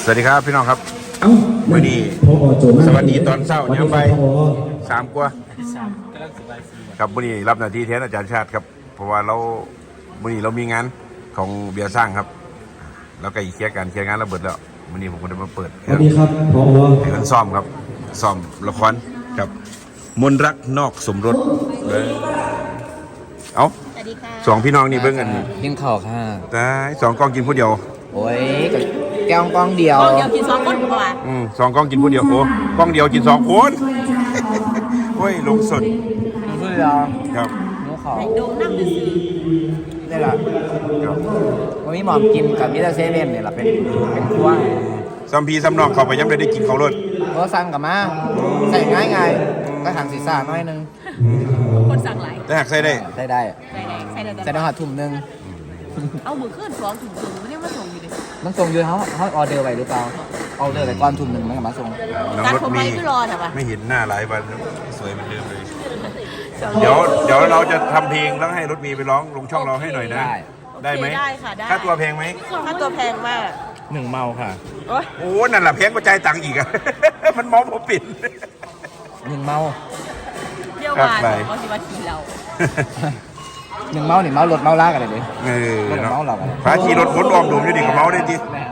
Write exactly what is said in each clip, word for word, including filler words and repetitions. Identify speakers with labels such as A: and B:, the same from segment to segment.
A: สวัสดีครับพี่น้องครับวันนี้สวัสดีตอนเช้าเนี่ยไปสามกว่าครับวันนี้รับหน้าที่แทนอาจารย์ชาติครับเพราะว่าเราวันนี้เรามีงานของเบียร์สร้างครับแล้วก็อีกเคลียร์การเคลียร์งานระเบิดแล้ววันนี้ผมก็ได้มาเปิด
B: สวัสดีครับพอ
A: ให้คนซ้อมครับซ้อมละครครับมนรักนอกสมรสเลยเอ้าสองพี่น้องนี่เบิ่งกัน
C: กินข้าวค่ะ
A: แต่สองกล้องกินผู้เดียว
C: โอ้ยแก้วกล้องเดียว
D: กล้องเดียวกินสองคนกว่า
A: อืมสองกล้องกินผู้เดียวโอ้กล้องเดียวกินสองคนโอ้ยลงสด
C: ลงสดเดียว
A: ครับ
C: นู้ขอ
D: โดนน้ำดื่ม
C: นี่แหละวันนี้หมอมกินกับมิสเตอร์เซเว่นเนี่ยแหละเป็นเป็นครัว
A: ซัมพีซัมนอกเข้าไปยังไม่ได้กินเขารถ
C: ก็สั่งกับมาใส่ง่ายง่ายก็ทางศีรษะน้อยนึง
D: คนสั่งหลาย
A: แต่หากใส่ได้
C: ใส่ได้
D: ใส่ได้ใส่ได้
C: ใส่ได้หัดถุงนึง
D: เอามือขึ้นสองถุงถุงไม่ได้มาส่งอยู่ดิ
C: มันส่งอยู่เขาเขาออเดอร์ไว้หรือเปล่าออเดอร์ไว้ก่อนถุงหนึ่งมันก็มาส่ง
D: การผมไปไม่รอใช่ปะ
A: ไม่เห็นหน้าหลายวันสวยเหมือนเดิมเลยเดี๋ยวเดี๋ยวเราจะทำเพลงแล้วให้รถมีไปร้องลงช่องเราให้หน่อยนะได้ไหม
D: ได้ค่ะได้
A: ค่าตัวแพงไหม
D: ค่าตัวแพงมาก
C: หนึ่งเมาค่ะ
A: โอ้นั่นแหละแพงกว่าใจตังค์อีกอะมันมองผมปิด
C: หนึ่งเมา
D: เดี๋ยวมาเขาสิว่าขี่เรา
C: หนึ่งเมาหนึ่งเมารถเมาลากกันเลยดิ
A: เออ
C: เมาเรา
A: พาขี่รถพ้นออมดูอยู่ดีกับเมาได้ดิ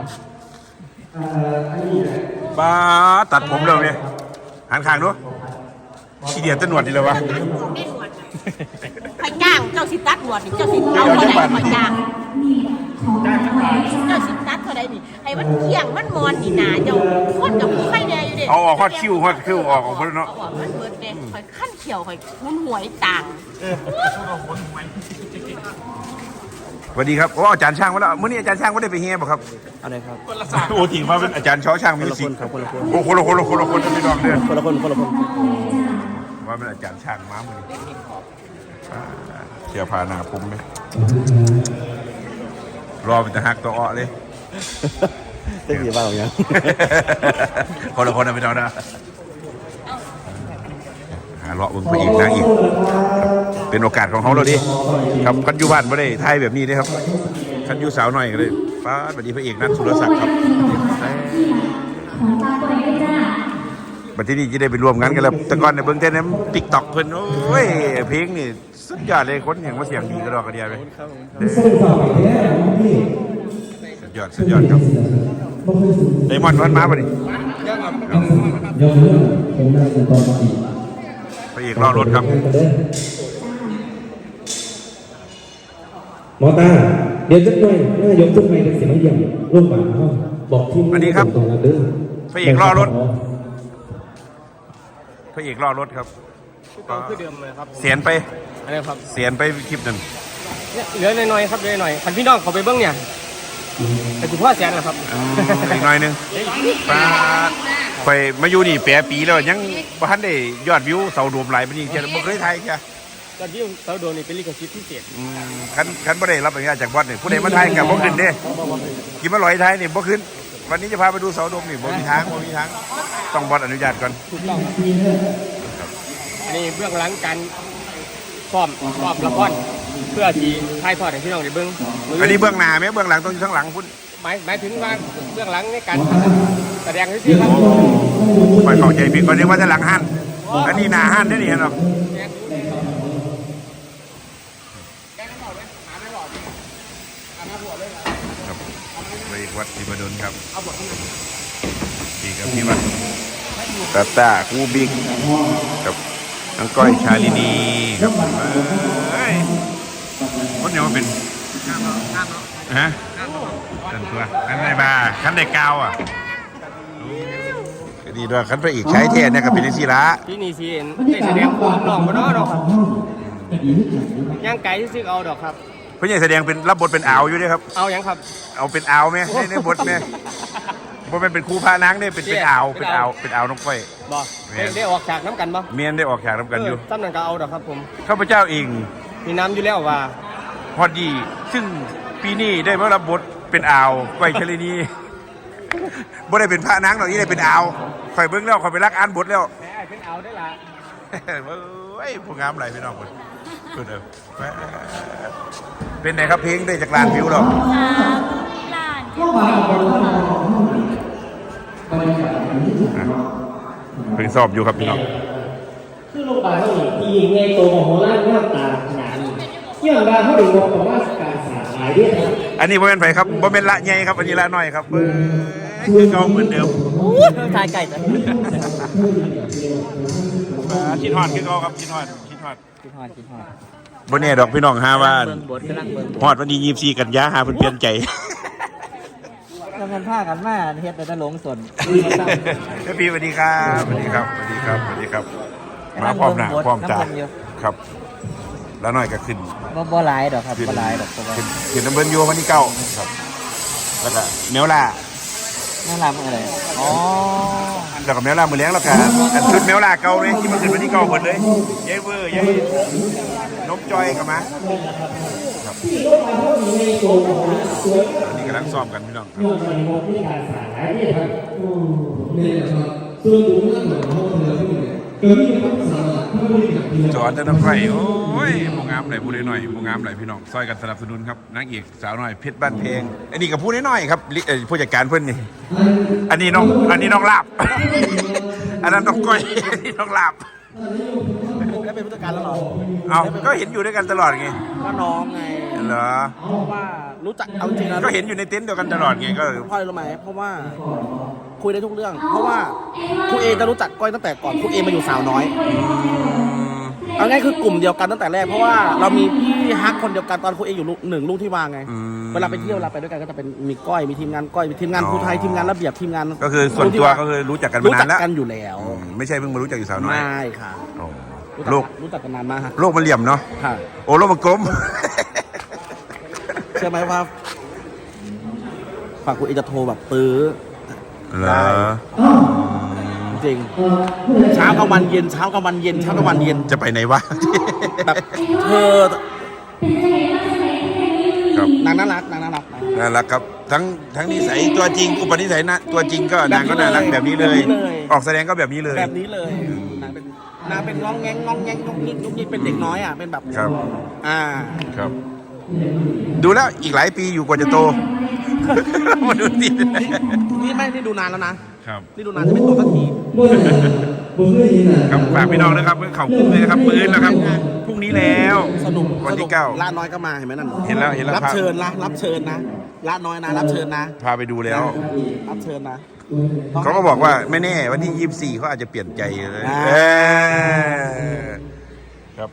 A: ป้าตัดผมเร็วเนี่ยหันข้างดูขี้เดียดจะหนวดดีเลยวะ
D: ใครจ้างเจ้าสิตัดหนวดนี่เจ้าสิเอาเท่าไหร่ใครจ้างเจ้าสิตัดเท่าไหร่นี่ให้มันเที่ยงมันมอนนี่นาเจ้าคนกับผู้ไข่แดงอยู่เด็ก
A: เอาออกฮอดคิ้วฮอดคิ้วออกออกไปเนาะ
D: มันเบิดเด็กคอยขั้นเขียวคอยหุ้นหวยต่าง
A: สวัสดีครับโอ้อาจารย์ช่างมาแล้วมื้อนี้อาจารย์ช่างไม่ได้ไปเฮียบ่ครับ
C: อะไรครับ
A: โอ้ถิงมาเป็นอาจารย์ช้อช่างมีสิ
C: ครับคนละคน
A: โอ้คนละคนละคนละคนไม่ดอกเด้อ
C: คนละคนคนละคน
A: ว่าเป็นอาจารย์ช่างมามื้อนี้เที่ยวพาหน้าผมเลยรอเป็นตะฮักตัวอ้อเลย
C: เต้นกี่บ้าอย่าง
A: คนละคนนะไม่ดอกนะหาเลาะบึงไปอีกนะอีกเป็นโอกาสของเขาเลยดิครับคันยูบ้านไม่ได้ไทยแบบนี้เลยครับคันยูสาวหน่อยก็เลยฟ้าบัดนี้พระเอกนัทสุรศักดิ์ครับบัดที่นี่จะได้ไปรวมงานกันแล้วแต่ก่อนในเบื้องต้นนั้นติ๊กต็อกเพิ่นโอ้ยเพลงนี่สุดยอดเลยคนอย่างว่าเสียงดีกระดอกกระเดียไปสุดยอดสุดยอดครับไดมอนด์วันมาบ่ดิพระเอกรอรถครับ
B: หมอตาเดี๋ยวจะหน่อยน่ายกทุกไงเป็นเสียงเยี่ยมร่วมกันเขาบอกที่
A: สวัสดีครับพระเอกรอรถพระเอกรอรถครับ
C: คือเดิมเลยครับ
A: เสียนไป
C: อะไรครับ
A: เสียนไปคลิปนั้น
C: เหลือหน่อยๆครับเหลือหน่อยคันพี่น้องเขาไปเบิ้งเนี่ยแต่คุณพ่อเสียนเหรอครับ
A: อีกหน่อยนึงป้าไปมาอยู่นี่แปดปีแล้วยังบ้านได้ยอดวิวเสาโดมหลายปีนี่แค่บ่เคยไทยแค่
C: ยอดวิวเสาโดมนี่เป็นลิขสิทธิ์พิเศษ
A: คันคันบ่ได้รับอนุญาตจากบอสนี่ผู้ใดมาไทยกับบ่ขึ้นเด้กินมาลอยไทยนี่บ่ขึ้นวันนี้จะพาไปดูเสาโดมนี่บ่มีทางบ่มีทางต้องบอสอนุญาตก่อน
C: ถูกต้องอันนี้เบื้องหลังการซ้อมซ้อมละครเพื่อที่ถ่ายทอดให้พี่น้องได้เบิ่ง
A: อันนี้เบื้องหน้าไหมเบื้องหลังต้องอยู่ข้างหลังพุ่น
C: หมายหมายถึงว่าเบื้องหลังในการแสดงที่ครับ
A: ไปเข้าใจผิดก่อนเรียกว่าจะหลังหันอันนี้หน้าหันได้นี่เห็นหรอไปวัดศิบดลครับดีกับพี่วัดตาตาคูบิ๊กกับน้องก้อยชาลินีครับเฮ้ยคนเดียวเป็นฮะตันตัวขันในบาร์ขันในกาวอ่ะดีด้วยขันไปอีกใช้เทศเนี่ยกับเป็นศิระ
C: ที่นี่สิได้แสดงความหล่อมาเนาะดอกย่างไก่ที่ซื้อเอาดอกครับ
A: เพื่อนแสดงเป็นรับบทเป็นอ่าวอยู่ด้วยครับ
C: เอาอย่างครับ
A: เอาเป็นอ่าวไหมในบทไหมบทเป็นครูพานางเนี่ยเป็นเป็นอ่าวเป็นอ่าวเป็นอ่าวน้องก้อย
C: บ่ได้ออกฉากน้ำกันบ่
A: เมียนได้ออกฉากน้ำกันอยู่
C: ตั้มนันก็เอาดอกครับผม
A: ข้าพเจ้าเอง
C: มีน้ำอยู่แล้วว่า
A: พอดีซึ่งปีนี้ได้มารับบทเป็นอ่าวก้อยชลินีบ่ได้เป็นพระนางหรอกนี่ได้เป็นอ่าวคอยเบิ้งแล้วคอยไปรักอ่านบทแล้ว
C: เป็นอ่าวได้ละ
A: เฮ้ยผู้งามอะไรพี่น้องคนเป็นไงครับเพลงได้จากล้านวิวหรอ
D: ล้าน
A: เพิ่งสอบอยู่ครับพี่น้อง
E: คือโรงพยาบาลเขาเนี่ยที่ไงโตของโหราหน้าตาขนาดนี้เยี่ยมบาเขาดูงบประมาณการสร้างหลายเรื่องครับ
A: อันนี้บ่เป็นไผครับบ่เป็นละใหญ่ครับอันนี้ละน้อยครับเออคือเก่าเหมือนเดิม
D: ทายไก่จ้ะ
A: คิดฮอดคือเก่าครับคิดฮอดคิดฮอด
D: คิดฮอดคิดฮอด
A: บ่แน่ดอกพี่น้องหาว่า
D: เบิ่งบทกำลังเบิ่ง
A: ฮอดวันที่ยี่สิบสี่กันยาหาเพิ่นเปลี่ยนใจ
D: ทำงานผ้ากันมาเฮ็ดแต่ตะหลงสน
A: พี่สวัสดีครับสวัสดีครับสวัสดีครับสวัสดีครับมาพร้อมหน้าพร้อมตาครับ แล้วน้อยก็ขึ้น
D: บ่บ่หลายดอกครับบ่หลายดอกเพราะว่า
A: ขึ้นขึ้นน้ำเบิ้ลโยวันที่เก้าครับแล้วก็เมลล่า
D: น่ารักอะไรอ๋อ
A: แล้วก็เมลล่ามือเลี้ยงแล้วก็อันชุดเมลล่าเก่าเลยที่มันขึ้นวันที่เก้าหมดเลยยายเวอร์ยายนกจอยกับมาครับตอนนี้กำลังซ้อมกันพี่น้องครับ
B: นี่แหละครับส่วนตัวนั่นหมายความว่าเธอพูดเนี่ยเกิดมีความสามารถถ้าไม่ได้กับพี่
A: จอดแต่น้ำไฟโอ้ยโมงามไหลพูดหน่อยโมงามไหลพี่น้องซอยกันสนับสนุนครับนางเอกสาวหน่อยเพชรบ้านเพลงอันนี้ก็พูดน้อยๆครับลิเอ่อผู้จัดการเพื่อนนี่อันนี้น้องอันนี้น้องลาบ อันนั้นน้องก้อย อันนี้น้องลาบ
C: แล้วเป็นผู้จัดการแล้วเหรอ
A: เอาก็เห็นอยู่ด้วยกันตลอดไง
C: ก็น้องไง
A: เหรอ
C: เพราะว่ารู้จักเอาจริงนะ
A: ก็เห็นอยู่ในเต็นท์เดียวกันตลอดไงก็
C: เพราะอะไรรู้ไหมเพราะว่าคุยได้ทุกเรื่อง เพราะว่าครูเอจะรู้จักก้อยตั้งแต่ก่อนครูเอมาอยู่สาวน้อยเอาง่ายคือกลุ่มเดียวกันตั้งแต่แรกเพราะว่าเรามีพี่ฮักคนเดียวกันตอนครูเออยู่ลูกหนึ่งลูกที่วางไง
A: อืม
C: เวลาไปเที่ยวเวลาไปด้วยกันก็จะเป็นมีก้อยมีทีมงานก้อยมีทีมงานครูไทยทีมงานระเบียบทีมงาน
A: ก็คือส่วนตัวก็คือรู้จักกันมา
C: รู้
A: นา
C: จั
A: น
C: ก
A: แล้ว
C: กันอยู่แล้ว
A: อืมไม่ใช่เพิ่งมารู้จักอยู่สาวน้อย
C: ไม่ค่ะ
A: โอ้
C: รู้จัก
A: โลก
C: รู้จักกันนานมากฮะ
A: โลกมันเหลี่ยมเนาะ
C: ค่ะ
A: โอ้โลกมันกลม
C: เชื่อไหมว่าฝากครูเอจะโทรแบบปื้อ
A: เหรอ
C: จริงเช้ากลางวันเย็นเช้ากลางวันเย็นเช้ากลางวันเย็น
A: จะไปไหนวะ
C: แบบเธอ
A: ครับ
C: นางน่ารักนางน่ารักนะ
A: น่ารักครับทั้งทั้งนิสัยตัวจริงอุปนิสัยนะตัวจริงก็นางก็น่ารักแบบนี้เลย ออกแสดงก็แบบนี้เลย
C: แบบนี้เลยนางเป็นนางเป็นงองแงงงองแงงงงงิกงงงิกเป็นเด็กน้อยอ่ะเป็นแบบ
A: ครับ
C: อ่า
A: ครับ ดูแล้วอีกหลายปีอยู่กว่าจะโต มาดูสิ
C: นี่ไม่ได้ดูนานแล้วนะครับ นี่ดูนานจะไม่โตสักที
B: เมื่อไหร่ผมเคยเห็นอ่ะ
A: ครับฝากพี่น้องนะครับเข่าคุ้มเลยนะครับปืนแล้วครับพรุ่งนี้แล้ว
C: สนุก
A: วัน
C: ส
A: ที่
C: นุก
A: เก้า
C: ล่าน้อยก็มาเห็นไหมนั่น
A: เห็นแล้วเห็นแล้ว
C: รับ
A: ครับ
C: เชิญนะรับเชิญนะล่าน้อยนะรับเชิญนะ
A: พาไปดูแล้ว
C: รับเชิญนะ
A: เขาก็บอกว่าไม่แน่วันที่ยี่สิบสี่เขาอาจจะเปลี่ยนใจเลย
C: อ่า
A: เออครับ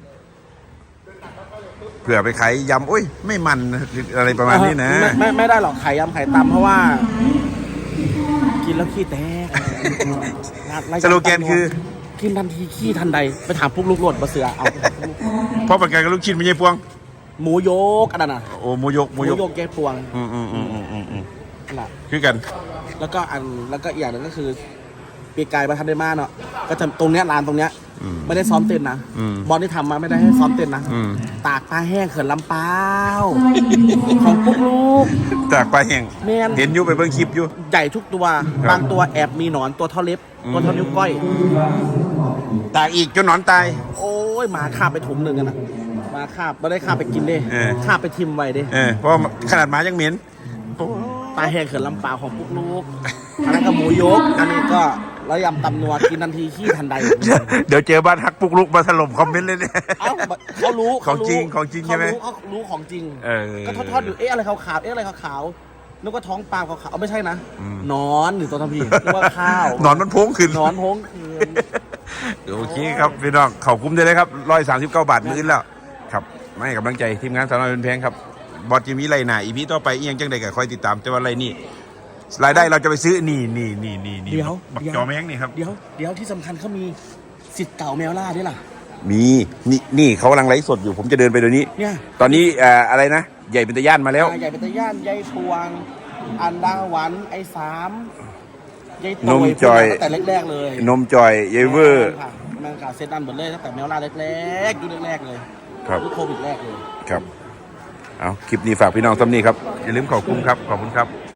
A: เผื่อไปขายยำอุ้ยไม่มันอะไรประมาณนี้นะ
C: ไม่ไม่ไม่ได้หรอกไข่ยำไข่ตำเพราะว่า กินแล้วขี้แตก
A: สโลแกนคือ
C: กินทันทีขี้ทันใดไปถามพวกลูกโลดมาเสือเอา
A: เพราะประกันกับลูกชิ้นไม่ใช่พวง
C: หมูโยกอันนั้นน่ะ
A: โอ้โมยก
C: ห
A: โม
C: มู
A: ยก
C: โยกแกปวง
A: อืมอืมอืมอืมอืมอืม
C: นั่นแหละ
A: คือกัน
C: แล้วก็อันแล้วก็อีกอย่างหนึ่งก็คือปีกายมาทันได้มากเนาะก็จะตรงเนี้ยร้านตรงเนี้ย
A: อืม
C: ไม่ได้ซ้อมเต้นนะ
A: อืม
C: บอลที่ทำมาไม่ได้ให้ซ้อมเต้นนะ
A: อืม
C: ตากปลาแห้งเขื่อนลำเปาของพวกลูก
A: จากปลาแห้ง
C: แม่น
A: เห็นอยู่ไปเบิ่งคลิปอยู่
C: ใหญ่ทุกตัว
A: ครับ
C: บางตัวแอบมีหนอนตัวเท่าเล็บ
A: อืม
C: ตัวเท่านิ้วก้อย
A: ตากอีกจนหนอนตาย
C: โอ้ยหมาคาบไปถุงหนึ่งกันนะหมาคาบไม่ได้คาบไปกินเด้
A: เออ
C: คาบไปทิมไว้เด้
A: เออเพราะขนาดหมายังเหม็น
C: ปลาแห้งเขื่อนลำเปาของพวกลูกอันนั้นก็หมูยก อันนี้ก็แล้วยำตำนัวกินทันทีขี้ทันใด
A: เดี๋ยวเจอบ้านฮักปุกลุกมาถล่มคอมเมนต์เลยเนี่ย
C: เอ้าเขารู้
A: ของจริง
C: เขา
A: ของจริงใช่ไหม
C: เขารู้เขารู้ของจริง
A: เออ
C: ก็ทอดๆอยู่ เอ๊ะอะไรขาวๆ เอ๊ะอะไรขาวๆนึกว่าท้องปลาขาวๆเอาไม่ใช่นะ
A: อืม
C: นอนหรือตัวทำพีนึกว่าข้าว
A: หนอนมันโพงขึ้น
C: นอนโพงคืน
A: โอเคครับพี่น้องเขาคุ้มได้เลยครับร้อยสามสิบเก้าบาทมื้อแล้วครับไม่ให้กำลังใจทีมงานสาวน้อยเป็นแพงครับบอสจิมีไรหนาอีพีต่อไปอีกยังจังใดก็คอยติดตามแต่ว่าไรนี่รายได้เราจะไปซื้อนี่นี่นี่นี่นี่
C: เดี๋ยว
A: บัก
C: เดี๋ยว
A: จอแมงนี่ครับ
C: เดี๋ยวเดี๋ยวที่สำคัญเขามีสิทธิ์เก่าแมวล่าด้วยล่ะ
A: มีนี่นี่เขากำลังไลฟ์สดอยู่ผมจะเดินไปเดี๋ยวนี้
C: เนี่ย
A: ตอนนี้เอ่ออะไรนะใหญ่เป็นตะย่านมาแล้ว
C: อ่าใหญ่เป็นตะย่านยายพวง อันดาหวันไอ้สามยาย
A: น
C: โต
A: ม
C: ย
A: จอย
C: ตั้งแต่แรกๆเลย
A: นมจอยเยเวอร์
C: ค่ะแมงกาเซตดันหมดเลยตั้งแต่แมวล่าแรกๆยุคแรกๆเลย
A: ครับ
C: ยุคโควิดแรกเลย
A: ครับเอาคลิปนี้ฝากพี่น้องซ้ำนี่ครับอย่าลืมขอบคุณครับขอบคุณครับ